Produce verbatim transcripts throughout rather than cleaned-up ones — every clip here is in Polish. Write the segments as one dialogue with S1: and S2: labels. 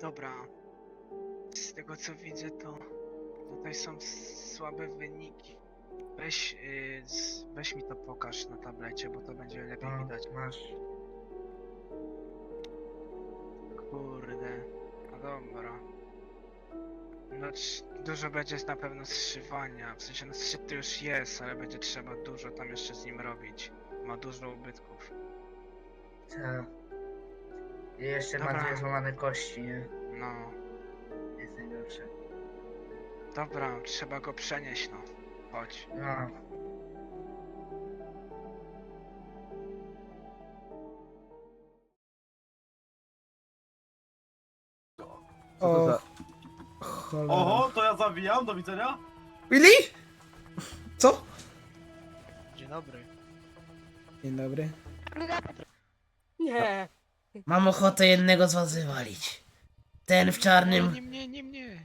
S1: Dobra. Z tego co widzę, to tutaj są słabe wyniki. Weź, yy, z, weź mi to pokaż na tablecie, bo to będzie lepiej
S2: No,
S1: widać.
S2: masz.
S1: Kurde. No dobra. No trz- dużo będzie na pewno zszywania. W sensie no zszyt to już jest, ale będzie trzeba dużo tam jeszcze z nim robić. Ma dużo ubytków.
S2: Tak. I jeszcze ma
S1: Dobra.
S2: dwie złamane kości, nie?
S1: No.
S2: Jest najgorsze.
S1: Dobra, trzeba go przenieść, no. Chodź.
S2: No.
S3: Co to
S4: O,
S3: za...
S4: cholera.
S5: Oho, to ja zawijam, do widzenia.
S4: Willy? Co?
S1: Dzień dobry.
S4: Dzień dobry.
S6: Nie.
S2: Mam ochotę jednego z was wywalić. Ten w czarnym.
S1: Nie mnie, nie mnie.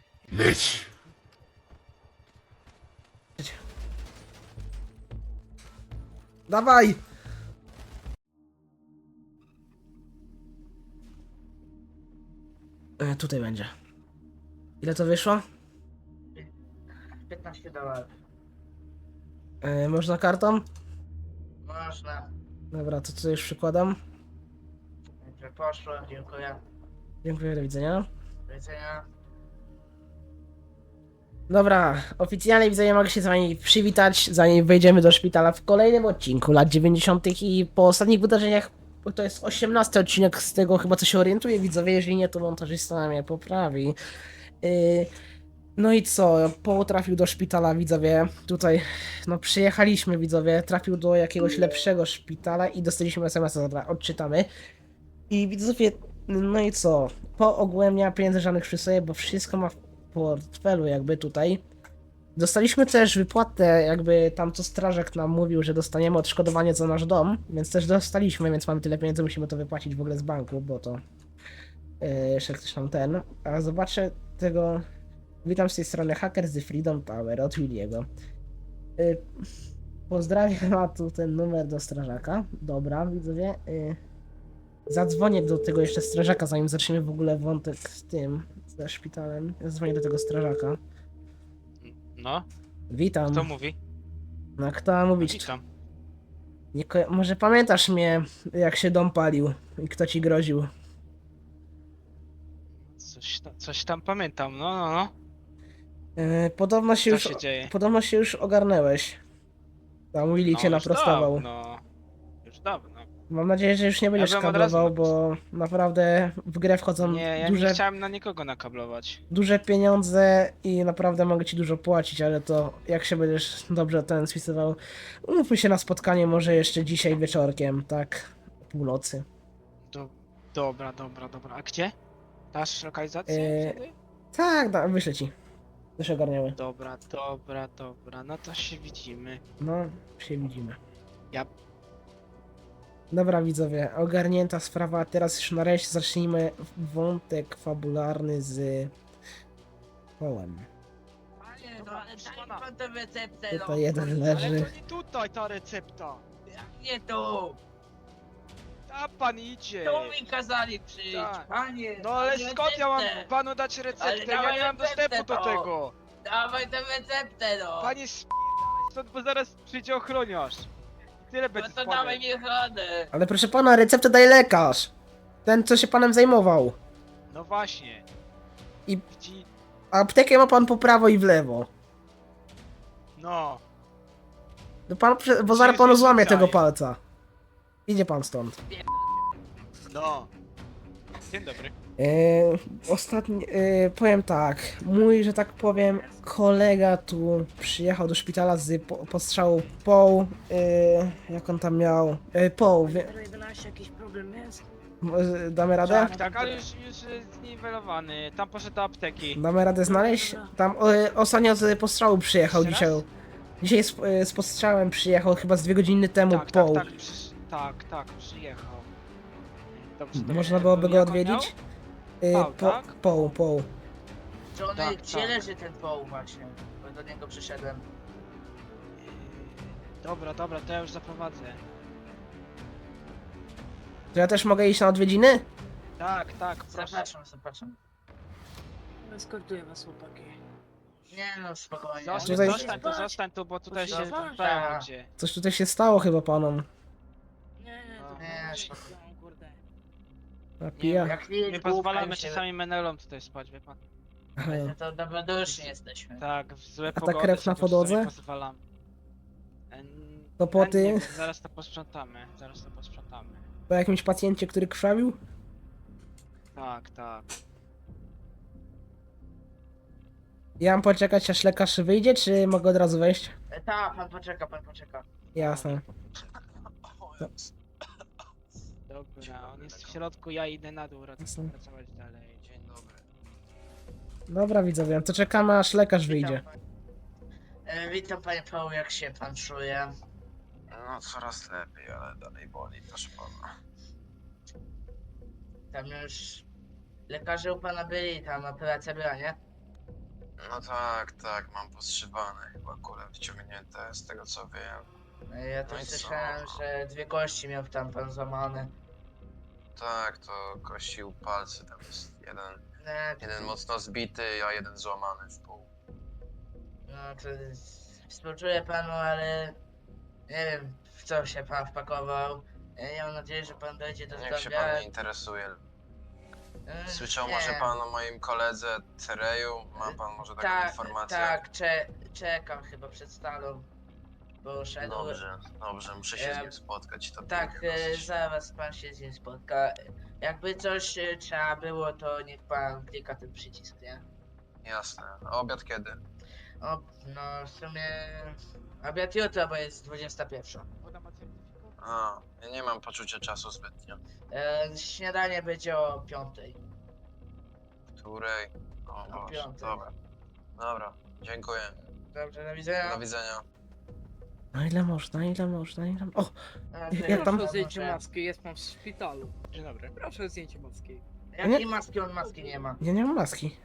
S4: Dawaj! E, tutaj będzie. Ile to wyszło?
S2: piętnaście dolarów.
S4: E, można kartą?
S2: Można.
S4: Dobra, to co już przykładam.
S2: Dobrze poszło, dziękuję.
S4: Dziękuję, do widzenia.
S2: Do widzenia.
S4: Dobra, oficjalnie widzenia mogę się z wami przywitać, zanim wejdziemy do szpitala w kolejnym odcinku lat dziewięćdziesiątych i po ostatnich wydarzeniach, bo to jest osiemnasty odcinek, z tego chyba co się orientuję, widzowie, jeżeli nie, to montażysta mnie poprawi. Yy, no i co, Paul trafił do szpitala, widzowie, tutaj, no przyjechaliśmy, widzowie, trafił do jakiegoś lepszego szpitala i dostaliśmy es em es a, dobra, odczytamy. I widzowie, no i co, po ogółem nie ma pieniędzy żadnych przy sobie, bo wszystko ma w portfelu jakby tutaj. Dostaliśmy też wypłatę, jakby tam co strażak nam mówił, że dostaniemy odszkodowanie za nasz dom, więc też dostaliśmy, więc mamy tyle pieniędzy, musimy to wypłacić w ogóle z banku, bo to yy, jeszcze ktoś tam ten. A zobaczę tego, witam z tej strony Hacker z Freedom Tower od Williego. Yy, pozdrawiam, a tu ten numer do strażaka, dobra, widzowie. Yy, Zadzwonię do tego jeszcze strażaka, zanim zaczniemy w ogóle wątek z tym, ze szpitalem. Ja dzwonię do tego strażaka.
S1: No,
S4: Witam.
S1: kto mówi?
S4: No kto ma mówić?
S1: Witam.
S4: Nie ko- może pamiętasz mnie, jak się dom palił i kto ci groził?
S1: Coś, ta, coś tam pamiętam, no, no, no.
S4: Yy, podobno się
S1: Co
S4: już.
S1: się dzieje?
S4: Podobno się już ogarnęłeś. Tam Willy cię
S1: No, już
S4: naprostował.
S1: dawno. Już dawno.
S4: Mam nadzieję, że już nie będziesz
S1: bym od razu
S4: kablował, bo naprawdę w grę wchodzą
S1: Nie, ja
S4: duże,
S1: nie chciałem na nikogo nakablować.
S4: duże pieniądze i naprawdę mogę ci dużo płacić, ale to jak się będziesz dobrze ten spisywał, umówmy się na spotkanie może jeszcze dzisiaj wieczorkiem, tak? O północy.
S1: Do, dobra, dobra, dobra. A gdzie? Dasz lokalizację
S4: Eee,
S1: wtedy?
S4: Tak, da, wyślę ci. Już ogarniały.
S1: Dobra, dobra, dobra. No to się widzimy.
S4: No, się widzimy.
S1: Ja...
S4: Dobra widzowie, ogarnięta sprawa, teraz już nareszcie zacznijmy wątek fabularny z Połem.
S6: Panie, no
S1: Dobra,
S6: ale
S1: proszę
S6: daj mi
S1: pana.
S6: pan tę receptę, no.
S4: Tutaj jeden
S1: Ale
S4: leży.
S1: to nie tutaj ta recepta.
S6: Jak nie tu?
S1: A pan idzie.
S6: Tu mi kazali przyjść,
S1: Tak.
S6: panie.
S1: No ale
S6: daj
S1: skąd ja mam
S6: receptę.
S1: panu dać
S6: Ale
S1: receptę? Ja
S6: dawaj
S1: nie mam
S6: receptę,
S1: dostępu do
S6: to.
S1: tego.
S6: Dawaj tę receptę, no.
S1: Panie sp... stąd, bo zaraz przyjdzie ochroniarz. Tyle
S6: No
S1: będzie
S6: to
S1: składek.
S6: dawaj mi ochronę.
S4: Ale proszę pana, receptę daje lekarz. Ten, co się panem zajmował.
S1: No właśnie.
S4: I-
S1: Widzi...
S4: A aptekę ma pan po prawo i w lewo.
S1: No.
S4: No pan, prze- bo zaraz panu
S1: Jezus
S4: złamie
S1: Maria.
S4: tego palca. Idzie pan stąd.
S1: No. Dzień dobry.
S4: Yy, ostatni, yy, powiem tak, mój, że tak powiem, kolega tu przyjechał do szpitala z po, postrzału Paul, yy, jak on tam miał, yy, Paul, wie,
S6: jedenaście jakiś problem jest?
S4: może damy radę?
S1: Tak, tak, ale już, już jest zniwelowany. Tam poszedł do apteki.
S4: Damy radę znaleźć? Tam yy, ostatnio z postrzału przyjechał
S1: Jeszcze
S4: dzisiaj,
S1: raz?
S4: dzisiaj z, yy, z postrzałem przyjechał chyba z dwie godziny temu
S1: Tak, tak,
S4: Paul.
S1: tak, przysz... tak, tak, przyjechał. Dobrze, dobrze.
S4: Można byłoby go
S1: Jak on
S4: odwiedzić? Yy,
S1: Paul,
S4: po,
S1: tak?
S4: Paul, Paul.
S2: Johnny,
S1: Tak,
S2: gdzie
S1: tak.
S2: leży ten poł właśnie? Bo do niego przyszedłem.
S1: miał? Yy, Dobra, dobra, to ja już zaprowadzę.
S4: To ja też mogę iść na odwiedziny?
S1: Tak, tak, proszę.
S2: Zapraszam, zapraszam.
S6: Eskortuję was, chłopaki.
S3: Nie no, spokojnie.
S1: Zostań,
S4: Tutaj-
S1: zostań tu, zostań tu, bo tutaj się
S6: Poszli
S1: zdają cię.
S4: Coś tutaj się stało chyba panom.
S6: Nie, to
S3: Nie,
S6: nie,
S3: spokojnie.
S6: kurde.
S4: Napija.
S3: Jak nie,
S1: Nie
S3: głupka
S1: pozwalamy
S3: już się-
S1: czasami menelom tutaj spać, wie pan?
S4: Aha.
S3: My to dobroduszni jesteśmy.
S1: Tak, w złe
S4: A ta
S1: pogody
S4: krew na
S1: sobie czasami
S4: podłodze?
S1: pozwalamy. En-
S4: To poty?
S1: chętnie, Zaraz to posprzątamy, zaraz to posprzątamy.
S4: Po jakimś pacjencie, który krwawił?
S1: Tak, tak.
S4: Ja mam poczekać aż lekarz wyjdzie, czy mogę od razu wejść?
S3: E, Ta, pan poczeka, pan poczeka.
S4: Jasne.
S1: Dobra, on jest w środku, ja idę na dół rac-
S4: Jasne.
S1: pracować dalej. Dzień dobry.
S4: Dobra widzowie, to czekamy aż lekarz wyjdzie.
S3: Witam, panie. E, witam panie Paweł, jak się pan czuje?
S7: No coraz lepiej, ale dalej boli, proszę pana.
S3: Tam już lekarze u pana byli, tam operacja była, nie?
S7: No tak, tak, mam postrzywane chyba kule wciągnięte, z tego co wiem.
S3: E, Ja
S7: No
S3: też
S7: i co?
S3: słyszałem, że dwie kości miał tam pan złamane.
S7: Tak, to kości u palcy, tam jest jeden,
S3: E,
S7: jeden mocno zbity, a jeden złamany w pół.
S3: No to współczuję panu, ale nie wiem w co się pan wpakował. Ja mam nadzieję, że pan dojdzie do
S7: Niech się
S3: zdrowia.
S7: pan nie interesuje.
S3: E,
S7: Słyszał
S3: nie.
S7: może pan o moim koledze Tereju? Ma pan może taką
S3: Tak,
S7: informację?
S3: tak, cze czekam chyba przed stalą. Bo szedł.
S7: Dobrze, dobrze, muszę się z
S3: E,
S7: nim spotkać. To
S3: Tak,
S7: pilnie
S3: e,
S7: dosyć.
S3: zaraz pan się z nim spotka. Jakby coś e, trzeba było, to niech pan klika ten przycisk, nie?
S7: Jasne. A obiad kiedy?
S3: O, no w sumie obiad jutro, bo jest dwudziesta pierwsza.
S1: Woda ma certyfikat?
S7: A, ja nie mam poczucia czasu zbytnio.
S3: E, śniadanie będzie o piątej.
S7: Której? O
S3: O
S7: Boże,
S3: piątej.
S7: dobra. Dobra, dziękuję.
S3: Dobrze, do widzenia.
S7: Do widzenia.
S4: No ile można, ile można, ile... O!
S3: A,
S4: jak
S3: ty-
S4: tam-
S6: Proszę o
S3: może-
S6: zdjęcie maski, jest pan w szpitalu.
S1: Dzień dobry.
S6: Proszę o zdjęcie maski.
S3: Jakiej maski? On maski nie ma.
S4: Ja nie mam maski.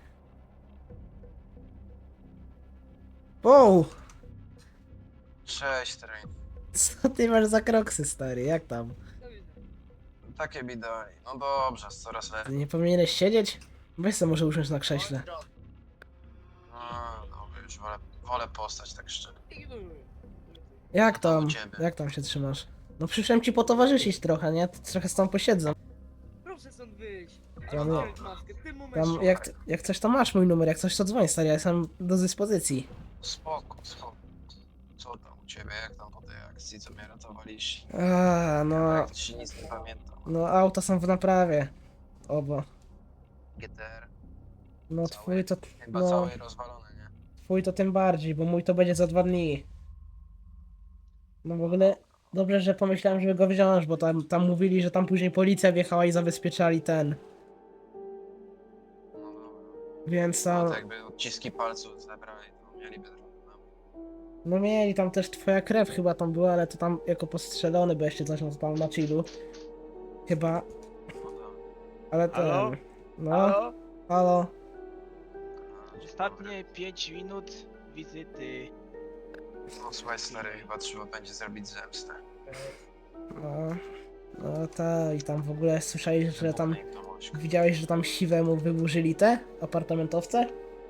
S4: Wow!
S7: Cześć, Train.
S4: Co ty masz za kroksy, stary? Jak tam?
S6: Do widzenia.
S7: Takie bidaj. No dobrze, coraz
S4: Ty
S7: lepiej.
S4: nie powinieneś siedzieć? Weź se może usiąść na krześle.
S3: Pozdro.
S7: No, dobra, już wolę, wolę postać tak szczerze.
S6: Ignoruję.
S4: Jak tam?
S7: u ciebie.
S4: Jak tam się trzymasz? No przyszedłem ci potowarzyszyć trochę, nie? Trochę z tą posiedzę.
S6: Proszę stąd wyjść.
S4: Tam-
S6: Mam zdjąć maskę, w tym momencie.
S4: Tam, jak, jak coś to masz mój numer, jak coś to dzwoń, stary, ja jestem do dyspozycji.
S7: Spoko, spoko. Co tam u ciebie? Jak tam po tej akcji, co mnie ratowaliście?
S4: A, no,
S7: Jak ci nic nie pamiętam.
S4: no auta są w naprawie. Obo.
S7: G T R.
S4: No
S7: Całe?
S4: twój to,
S7: Chyba
S4: no,
S7: całe rozwalone, nie?
S4: twój to tym bardziej, bo mój to będzie za dwa dni. No w ogóle dobrze, że pomyślałem, żeby go wziąć, bo tam, tam mówili, że tam później policja wjechała i zabezpieczali ten.
S7: No dobra.
S4: Więc
S7: No
S4: tam,
S7: to jakby odciski palców zebrali, to mieliby trochę tam.
S4: no mieli tam też twoja krew chyba tam była, ale to tam jako postrzelony, bo jeszcze coś no to tam na chillu. Chyba,
S7: No dobra.
S4: ale ten,
S1: Halo?
S4: no,
S1: Halo?
S4: halo.
S7: A, dzień
S1: Ostatnie pięć minut wizyty.
S7: dobry. No słuchaj stary, chyba trzeba będzie zrobić zemstę.
S4: No, no ta i tam w ogóle słyszałeś, że tam,
S7: Wybuchnę im tą ośkę.
S4: widziałeś, że tam siwemu wyburzyli te apartamentowce?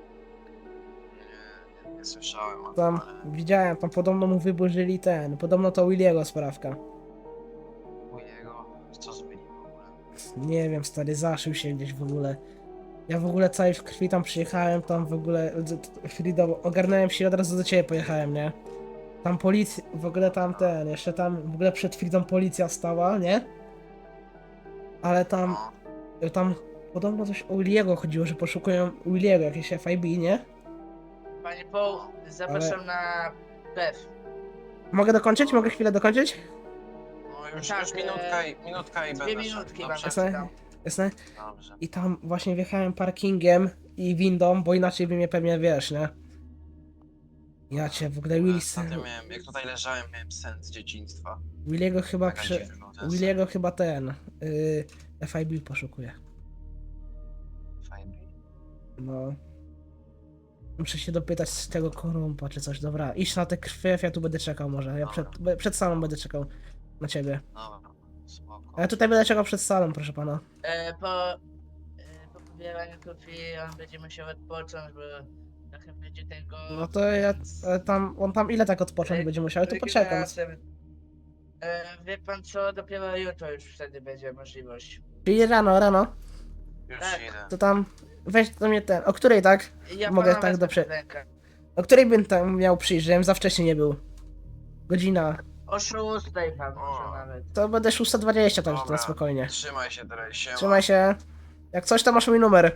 S7: Nie, nie, nie słyszałem o
S4: Tam,
S7: tym, ale
S4: widziałem, tam podobno mu wyburzyli ten, podobno to Williego sprawka.
S7: u jego, co zbyli w ogóle?
S4: Nie wiem, stary, zaszył się gdzieś w ogóle. Ja w ogóle cały w krwi tam przyjechałem, tam w ogóle, Frido, ogarnąłem się i od razu do ciebie pojechałem, nie? Tam policja, w ogóle tam ten, jeszcze tam, w ogóle przed chwilą policja stała, nie? Ale tam,
S7: No,
S4: tam podobno coś o Williego chodziło, że poszukują Williego, jakieś F I B, nie?
S3: Panie Paul, zapraszam na Bev.
S4: Mogę dokończyć? Mogę chwilę dokończyć?
S7: no już,
S3: Tak,
S7: już minutka
S3: e,
S7: i, minutka i
S3: Dwie
S7: będę
S3: minutki
S7: szedł,
S3: wam
S7: dobrze?
S4: Jasne? Jasne?
S7: Dobrze.
S4: I tam właśnie wjechałem parkingiem i windą, bo inaczej by mnie pewnie wiesz, nie? Ja cię w ogóle Willy,
S7: Ostatnio miałem, jak tutaj leżałem, miałem sen z dzieciństwa.
S4: Williego chyba
S7: Taka
S4: przy...
S7: dziwna ten sen.
S4: Williego chyba ten... Yy, F I B poszukuje.
S7: Fajny.
S4: No. Muszę się dopytać z tego korumpa czy coś, dobra. Idź na te krwi, ja tu będę czekał może. Ja przed, be- przed salą będę czekał na ciebie.
S7: Dobra, spoko.
S4: A ja tutaj będę czekał przed salą, proszę pana.
S3: E, po, e, po zbieraniu krwi on będzie musiał odpocząć, bo trochę będzie tego...
S4: No to ja e, tam, on tam ile tak odpocząć będzie musiał, to poczekam.
S3: regeneracja. E, wie pan co, dopiero jutro już wtedy będzie możliwość.
S4: Czyli rano, rano,
S7: Już
S3: Tak.
S7: idę.
S4: to tam weź do mnie ten, o której tak?
S3: Ja
S4: Mogę
S3: pana
S4: tak
S3: wezmę
S4: dobrze-
S3: pod rękę.
S4: O której bym tam miał przyjść, żebym za wcześnie nie był? Godzina.
S3: O szóstej pan może
S7: O.
S3: nawet.
S4: To będę szósta dwadzieścia, tak
S7: Dobra.
S4: na spokojnie.
S7: Trzymaj się teraz, siema.
S4: Trzymaj się. Jak coś, to masz mój numer.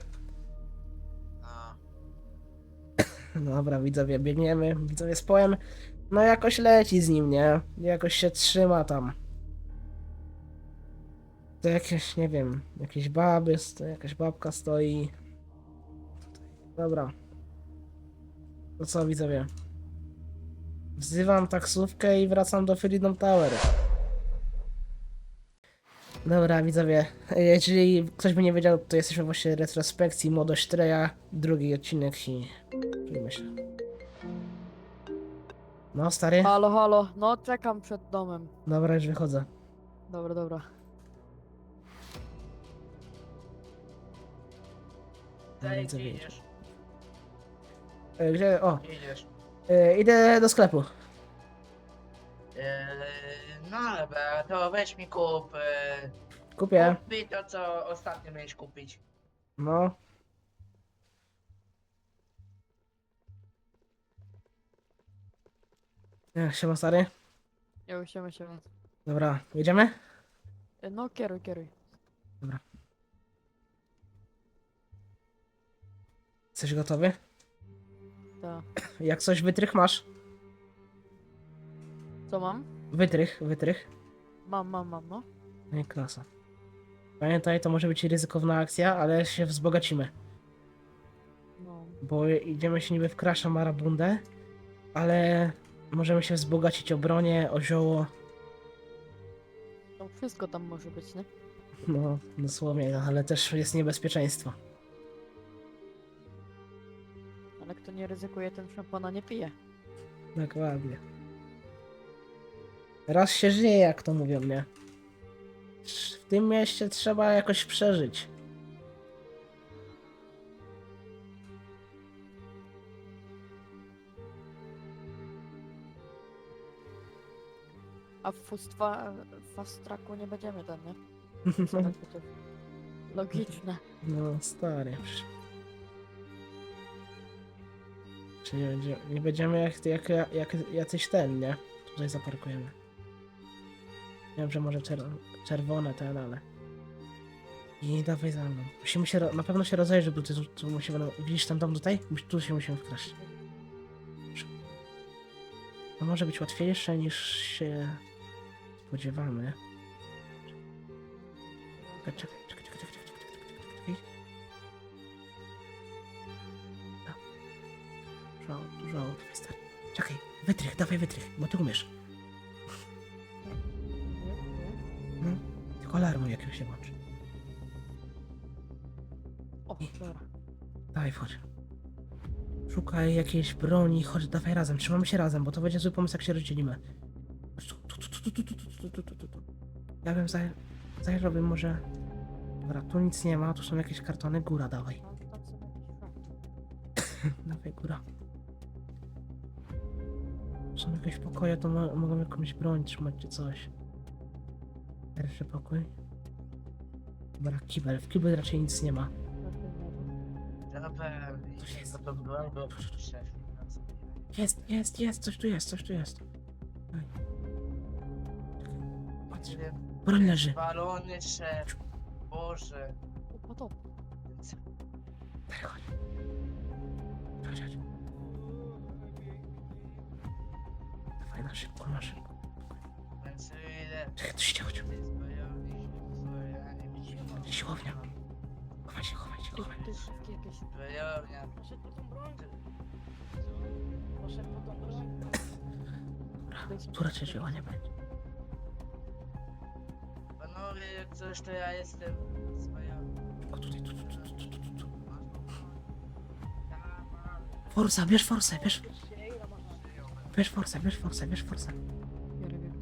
S7: No.
S4: Dobra, widzowie, biegniemy, widzowie z poem. No jakoś leci z nim, nie? Jakoś się trzyma tam. To jakieś, nie wiem, jakieś baby, to jakaś babka stoi. Dobra. To co, widzowie? Wzywam taksówkę i wracam do Freedom Tower. Dobra, widzowie, jeżeli ktoś by nie wiedział, to jesteśmy właśnie w retrospekcji Młodość Treja, drugi odcinek i... czujmy się. No, stary?
S8: Halo, halo, no czekam przed domem.
S4: Dobra, już wychodzę.
S8: Dobra, dobra.
S4: No,
S3: Daj,
S4: widzę,
S3: gdzie
S4: widzę.
S3: idziesz?
S4: E, Gdzie? O,
S3: Gdzie idziesz?
S4: e, idę do sklepu.
S3: Eee, no dobra, to weź mi kup. Eee,
S4: Kupię.
S3: kup mi to, co ostatnio miałeś kupić.
S4: No. Jak się ma, stary?
S8: Ja już się się.
S4: Dobra, jedziemy?
S8: No kieruj, kieruj.
S4: Jesteś gotowy?
S8: Tak.
S4: Jak coś wytrych masz?
S8: Co mam?
S4: Wytrych, wytrych.
S8: Mam, mam, mam, no.
S4: No i klasa. Pamiętaj, to może być ryzykowna akcja, ale się wzbogacimy.
S8: No.
S4: Bo idziemy się niby w Crasha Marabundę, ale możemy się wzbogacić o bronię, o zioło.
S8: No wszystko tam może być, nie?
S4: No, dosłownie, no, ale też jest niebezpieczeństwo.
S8: Ale kto nie ryzykuje, ten szampana nie pije.
S4: Dokładnie. Raz się żyje, jak to mówią, nie? W tym mieście trzeba jakoś przeżyć.
S8: A w fustwa, w fast tracku nie będziemy tam, nie? Co tak to logiczne.
S4: No, stary. Czy nie, będzie, nie będziemy jak, jak, jak jacyś ten, nie? Tutaj zaparkujemy. Wiem, że może czer czerwone ten, ale... I dawaj za mną. Musimy się, ro- na pewno się rozejrzeć, bo ty tu, tu musimy... na- Widzisz ten dom tutaj? Mus- Tu się musimy wkraść. To może być łatwiejsze niż się spodziewamy. Czekaj, czekaj, czekaj, czekaj, czekaj, czekaj, czekaj, czekaj, czekaj. No. Dużo, dużo, dawaj stary. Czekaj, wytrych, dawaj wytrych, bo ty umiesz. No, tylko alarmu jakiegoś się włączy.
S8: O, dobra.
S4: Dawaj, wchodź. Szukaj jakiejś broni, chodź, dawaj razem, trzymamy się razem, bo to będzie zły pomysł, jak się rozdzielimy. Chodź tu, tu, tu, tu, tu, tu, tu, tu, tu, tu, tu. Ja bym zaj... zajrzałbym może... Dobra, tu nic nie ma, tu są jakieś kartony, góra, dawaj.
S8: Tam, tam są jakieś szafy.
S4: Dawaj, góra. Tu są jakieś pokoje, to mo mogą jakąś broń trzymać czy coś. Pierwszy pokój. Dobra, kibel, w kibel raczej nic nie ma.
S3: Dobra,
S4: To jest-
S3: to to broń, bo szef.
S4: Jest, jest, jest, coś tu jest, coś tu jest. Daj. Czekaj, patrz, broń leży.
S3: Balony szef. Boże.
S8: O, to.
S4: Daj, chodź. Chodź, chodź. Dawaj, na szybko, na szybko.
S3: Więc ile...
S4: Czekaj, tu się działo.
S3: To jest bojownik, zbrojenie, widzimy.
S4: Siłownia. Chowaj się, chowaj się,
S8: Ty,
S4: chowaj.
S8: ty szybkie jakieś.
S3: Zbrojownia.
S8: Poszedł po tą broń. Poszedł po tą broń.
S4: Dobra, tu raczej żyła nie będzie.
S3: Panowie, jak coś, to ja jestem zbrojownik.
S4: O, tutaj, tu, tu, tu, tu, tu, tu, tu. Forsa, bierz forsę, bierz. Bierz forsę, bierz forsę, bierz forsę.
S8: Biorę, biorę.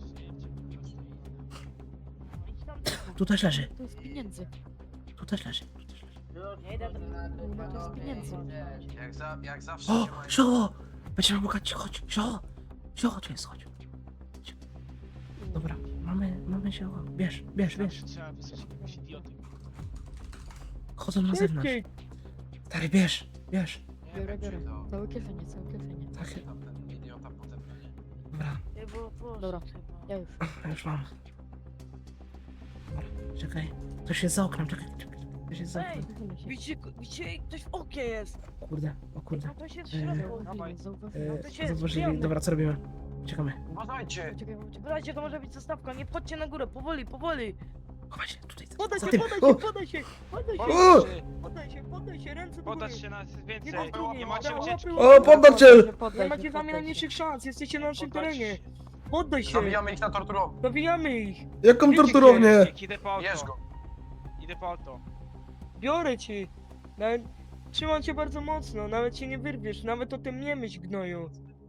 S4: Tu też leży,
S8: To jest pieniędzy.
S4: tu też leży, tu też leży.
S3: Już Nie idę do...
S8: No to z pieniędzy.
S7: Jak, za, jak zawsze
S2: O,
S7: się mają...
S2: zio! Będziemy mogać, chodź, zio! Zio, tu jest, chodź. Chodź. Dobra, mamy, mamy zio. Bierz, bierz, bierz.
S1: Zawsze trzeba wysłać jakiegoś idioty.
S2: Chodzą na zewnątrz.
S6: Szybciej!
S2: Stary, bierz, bierz.
S7: Nie
S8: Biorę,
S7: wiem,
S8: biorę.
S7: czy to...
S8: Całe kieszenie, całe kieszenie.
S2: Tak,
S7: Tam ten idiota potem będzie.
S2: dobra,
S3: Nie było poszło
S8: Dobra.
S3: chyba.
S8: Ja już.
S2: już mam. Dobra, czekaj. Ktoś jest za oknem, czekaj, czekaj. Ktoś jest za
S6: Ej!
S2: oknem.
S6: Widzicie, widzicie, ktoś w oknie jest!
S2: Kurde, o kurde.
S6: A to się w
S2: Eee.
S6: środku.
S8: Zauważyli, zauważyli.
S2: E,
S6: to się
S2: Zauważyli,
S6: zbijamy.
S2: dobra, co robimy? Czekamy.
S7: Uważajcie!
S8: Uciekaj, uciekaj.
S6: Słuchajcie, to może być zastawka, nie wchodźcie na górę, powoli, powoli!
S2: Chowaj się, tutaj, za,
S6: Podaj
S2: za
S6: się,
S2: tym.
S6: podaj
S2: O!
S6: się, podaj się, podaj się!
S2: O!
S6: Podaj się, podaj się, ręce do góry!
S1: Podać się nas więcej.
S6: Nie ma
S1: Nie macie
S6: łapy,
S1: ucieczki.
S6: łapy,
S2: O, poddać się!
S6: Nie macie z nami najmniejszych szans, jesteście na naszym
S1: Poddać
S6: terenie!
S1: się.
S6: Poddaj się!
S7: Zabijamy ich na torturowni.
S6: Zabijamy ich!
S2: Jaką
S6: Wiecie
S2: torturownię?
S1: Idę po
S7: Bierz
S1: auto.
S7: go.
S1: Idę po auto.
S6: Biorę cię! Nawet... Trzymam cię bardzo mocno, nawet się nie wyrwiesz, nawet o tym nie myśl, gnoju!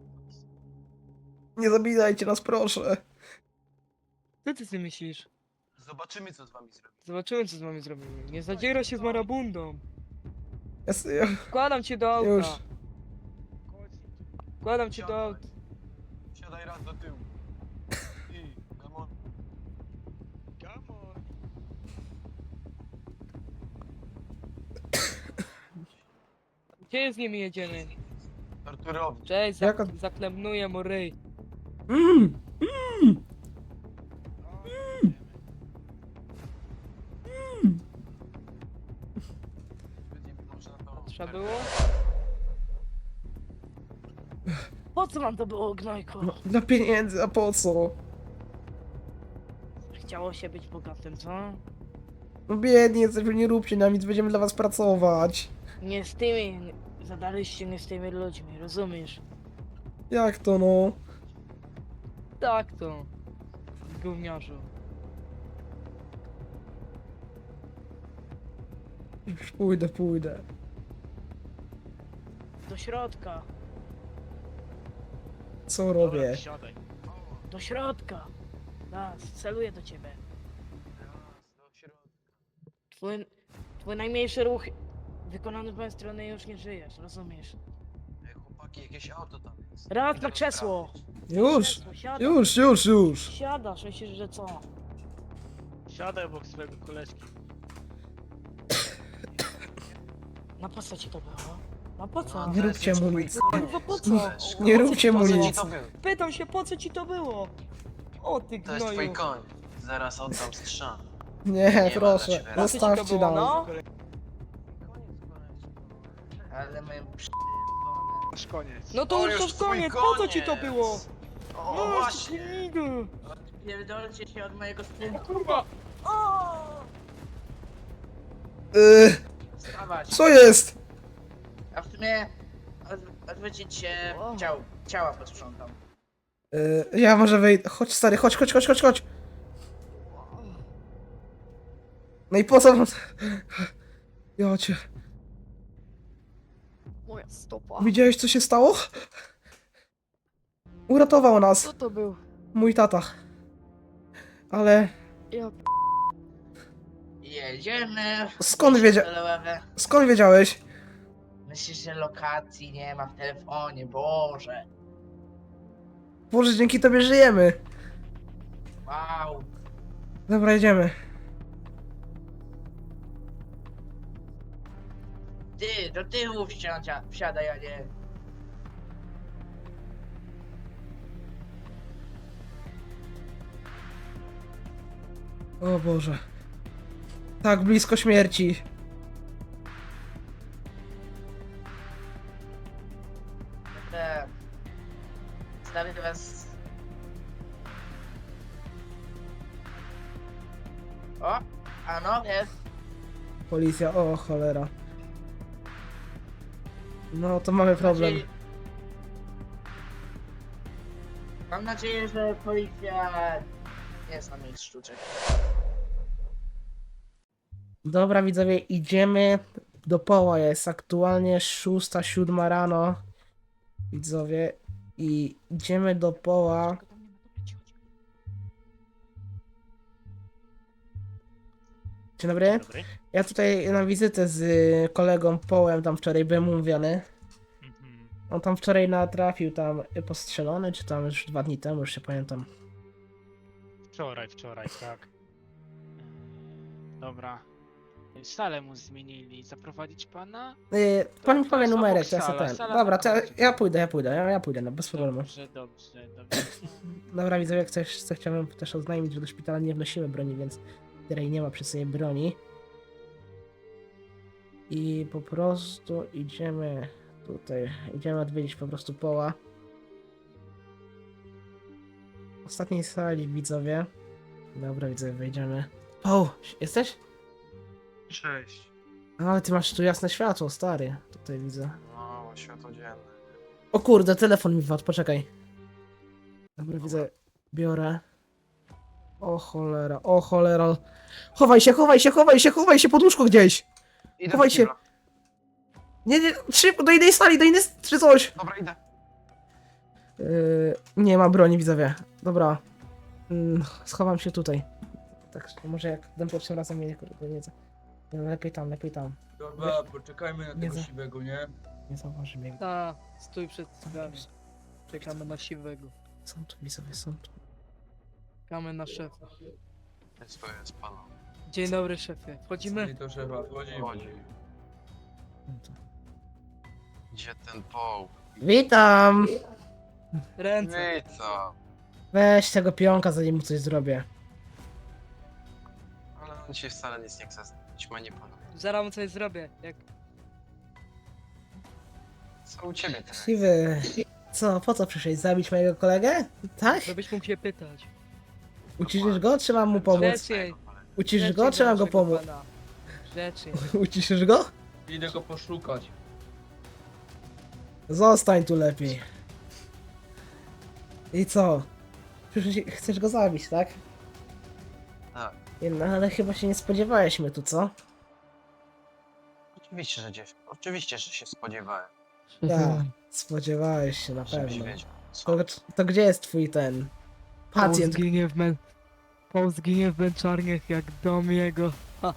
S2: Nie zabijajcie nas, proszę.
S6: Co ty sobie myślisz?
S7: Zobaczymy, co z wami zrobi.
S6: Zobaczymy, co z wami zrobimy. Nie zadziera się z marabundą!
S2: Ja, s- ja,
S6: Wkładam cię do auta!
S2: już.
S6: Wkładam cię do auta!
S7: Siadaj raz do tyłu. I, come on.
S1: Come on.
S6: Gdzie z nimi jedziemy?
S7: Torturowni.
S6: Cześć,
S2: Jaka-
S6: zak zaklemnuję mu ryj.
S2: Mm.
S7: Będziemy może na to...
S6: Trzeba było? Po co wam to było, gnojku?
S2: No, dla pieniędzy, a po co?
S6: Chciało się być bogatym, co?
S2: No biedni jesteśmy, nie róbcie nam nic, będziemy dla was pracować.
S6: Nie z tymi, zadaliście nie z tymi ludźmi, rozumiesz?
S2: Jak to no?
S6: Tak to. Gówniarzu.
S2: Już pójdę, pójdę.
S6: Do środka,
S2: Co robię?
S1: Siadaj.
S6: do środka. Raz, celuję do ciebie.
S7: Raz, do środka.
S6: Twój, twój najmniejszy ruch wykonany z mojej strony już nie żyjesz, rozumiesz?
S7: Ej, chłopaki, jakieś auto tam jest.
S6: Raz
S7: Idę
S6: na
S7: go
S6: krzesło.
S7: sprawdzić.
S2: Już,
S6: Krzesło, siadasz.
S2: już, już, już.
S6: Siadasz, myślisz, że co?
S1: Siadaj obok swojego koleżki.
S6: Na po co ci to było? Na po co?
S7: No,
S2: Nie
S7: to
S2: róbcie
S7: jest
S2: mu
S7: mój
S2: nic.
S7: koniec.
S6: Kurwa, po co?
S7: Koleżko.
S2: Nie róbcie mu
S7: Po co ci
S2: nic.
S7: to było?
S6: Pytam się, po co ci to było? O ty
S7: To jest twój
S6: gnoju.
S7: koń. Zaraz oddam strzał.
S2: Nie,
S7: ma
S2: proszę,
S7: dla ciebie.
S6: Po co ci to
S2: zostawcie
S6: było,
S2: nas.
S6: no?
S7: Koniec, koleżko.
S3: Ale my
S1: Masz koniec.
S6: No to
S7: O,
S6: już to
S7: już
S6: w
S7: twój
S6: koniec, po co ci to
S7: koniec.
S6: było?
S7: O,
S6: No
S7: właśnie.
S6: gnidu.
S3: pierdolcie się od mojego
S6: O
S3: sprzętu.
S6: kurwa. O!
S2: Yy,
S3: Wstawać.
S2: co jest?
S3: A w sumie od, odwrócić się
S6: O.
S3: ciał, ciała posprzątam.
S2: Yy, ja może wyjdę. Chodź stary, chodź, chodź, chodź, chodź, chodź. No i po co wam... Jocie,
S8: Moja stopa.
S2: widziałeś co się stało? Uratował nas
S8: Co to był?
S2: mój tata. Ale
S8: Ja
S3: Jedziemy.
S2: skąd wiedzia...
S3: Dolewe.
S2: skąd wiedziałeś?
S3: Myślisz, że lokacji nie ma w telefonie, Boże.
S2: Boże, dzięki tobie żyjemy.
S3: Wow.
S2: Dobra, jedziemy.
S3: Ty, do tyłu wsiądzia, wsiadaj, a nie.
S2: O Boże. Tak blisko śmierci.
S3: Dobra. Stawię was... O, a no, jest.
S2: Policja, o cholera. No to mamy problem.
S3: Nadzieję- Mam nadzieję, że policja nie zna moich sztuczek.
S2: Dobra widzowie, idziemy do poła. Jest aktualnie szósta, siódma rano. Widzowie. I idziemy do poła.
S8: Tylko tam nie ma, dobra, cicho, cicho.
S2: Dzień dobry.
S9: Dobry.
S2: Ja tutaj na wizytę z y, kolegą Połem tam wczoraj byłem umówiony.
S9: Mhm.
S2: On tam wczoraj natrafił tam y, postrzelony, czy tam już dwa dni temu, już się pamiętam.
S9: Wczoraj, wczoraj, tak.
S1: Dobra. Salę mu zmienili. Zaprowadzić pana?
S2: Y, pan mi
S1: to
S2: powie
S1: jest
S2: numerek,
S1: obok
S2: to ja sobie
S1: sala,
S2: ten.
S1: sala
S2: Dobra, to ja,
S1: zaprowadzi.
S2: ja pójdę, ja pójdę, ja, ja pójdę, no bez problemu.
S1: Dobrze, dobrze, dobrze.
S2: Dobra, widzowie, jak coś, co chciałem też oznajmić, że do szpitala nie wnosimy broni, więc tutaj nie ma przy sobie broni. I po prostu idziemy tutaj, idziemy odwiedzić po prostu Poła. W ostatniej sali, widzowie. Dobra, widzowie, wejdziemy. Poł, jesteś?
S7: Cześć.
S2: No, ale ty masz tu jasne światło, stary. Tutaj widzę.
S7: No, światło dzienne.
S2: O kurde, telefon mi wpadł, poczekaj. Dobra, widzę, biorę. O cholera, o cholera. Chowaj się, chowaj się, chowaj się, chowaj się pod łóżko gdzieś.
S7: Idę
S2: Chowaj
S7: do
S2: się.
S7: kibla.
S2: Nie, nie, szybko, do innej sali, do innej, s- czy coś.
S7: Dobra, idę.
S2: Yy, nie ma broni, widzowie. Dobra. Yy, schowam się tutaj. Tak, może jak ten pierwszym razem mnie kurde, nie, za- nie, lepiej tam, lepiej tam.
S10: Dobra, poczekajmy na
S2: Nie
S10: tego
S2: za-
S10: siwego, nie?
S2: Nie zauważy mnie.
S6: Ta, stój przed drzwiami. Czekamy na siwego.
S2: Są tu, widzowie, są tu.
S6: Czekamy na szefa.
S7: To jest pana.
S6: Dzień dobry, szefie. Wchodzimy?
S10: I to szefa, wchodzimy.
S7: Chodzi.
S2: Są tu.
S7: Gdzie ten poł?
S2: Witam!
S6: Ręce.
S7: Witam.
S2: Weź tego pionka, zanim mu coś zrobię.
S7: Ale on ci wcale nic nie chce znać, manipuluje.
S6: Zaraz mu coś zrobię. Jak...
S7: Co u ciebie teraz?
S2: Siwy. Co, po co przyszedłeś? Zabić mojego kolegę? Tak?
S6: Żebyś mógł się pytać.
S2: Uciszysz go, czy mam mu pomóc?
S6: Grzecznie.
S2: Uciszysz go, czy mam go pomóc?
S6: Grzecznie.
S2: Uciszysz go?
S10: Idę go poszukać.
S2: Zostań tu lepiej. I co? Przecież chcesz go zabić, tak?
S7: Tak.
S2: No, ale chyba się nie spodziewałeś mnie tu, co?
S7: Oczywiście, że gdzieś. Oczywiście, że się spodziewałem.
S2: Tak, spodziewałeś się na
S7: Żebyś
S2: pewno.
S7: wiedział. Co?
S2: To, to gdzie jest twój ten pacjent?
S6: Paul zginie w mę... Paul zginie w męczarniach jak dom jego.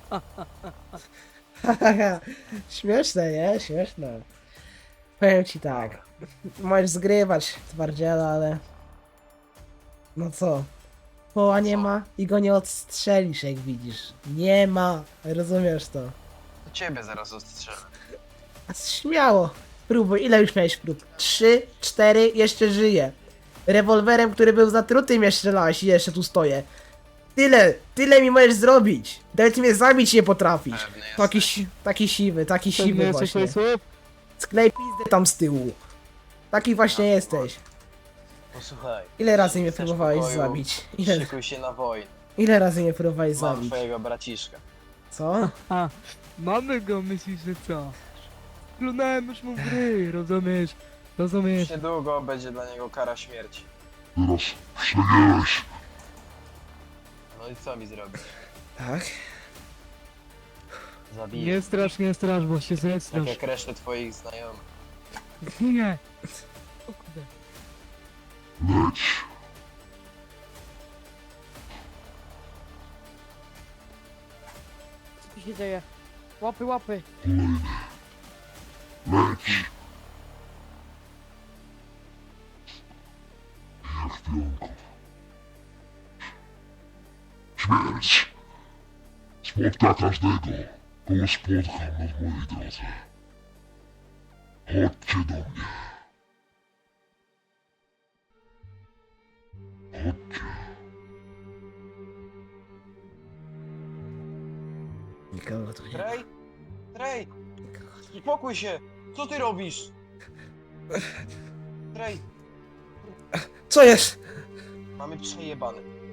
S2: Śmieszne, nie? Śmieszne. Powiem ci tak. Możesz zgrywać twardziela, ale... No co? Poła nie
S7: Co?
S2: ma i go nie odstrzelisz, jak widzisz. Nie ma. Rozumiesz to?
S7: To ciebie zaraz ostrzelę.
S2: A śmiało. Próbuj. Ile już miałeś prób? Trzy, cztery, jeszcze żyję. Rewolwerem, który był zatruty, mnie strzelałeś i jeszcze tu stoję. Tyle, tyle mi możesz zrobić. Nawet mnie zabić nie potrafisz.
S7: Pewny
S2: Taki,
S7: jesteś.
S2: si- taki siwy, taki
S6: Pewnie
S2: siwy
S6: jesteś
S2: właśnie.
S6: słów?
S2: Sklej pizdę tam z tyłu. Taki właśnie
S7: Ja,
S2: jesteś.
S7: Posłuchaj.
S2: Ile razy mnie
S7: Chcesz
S2: próbowałeś
S7: pokoju?
S2: zabić? Ile,
S7: Szykuj się na wojnę.
S2: ile razy mnie próbowałeś
S7: Mam
S2: zabić?
S7: twojego braciszka.
S2: Co?
S6: A, mamy go, myślisz, że co? Plunąłem już mu w gry, rozumiesz? Rozumiesz?
S7: Niedługo będzie dla niego kara śmierci.
S11: Teraz przegięłeś.
S7: No i co mi zrobisz?
S2: Tak?
S7: Zabiję.
S6: Nie strasz, nie strasz, bo się
S7: Tak
S6: zestrasz.
S7: jak resztę twoich znajomych.
S6: Nie. O kurde.
S11: Leć.
S8: Co tu się dzieje? Łapy, łapy.
S11: Kolejny. Leć. Jak pionków. Śmierć. Spotka każdego, kogo spotkam na mojej drodze. Chodźcie do mnie. Chodźcie.
S2: Nikogo tu nie ma.
S7: Trej? Trej!
S2: Nikogo tu nie
S7: Spokój się! Co ty robisz? Trej!
S2: ma. Co jest?
S7: Mamy przejebane.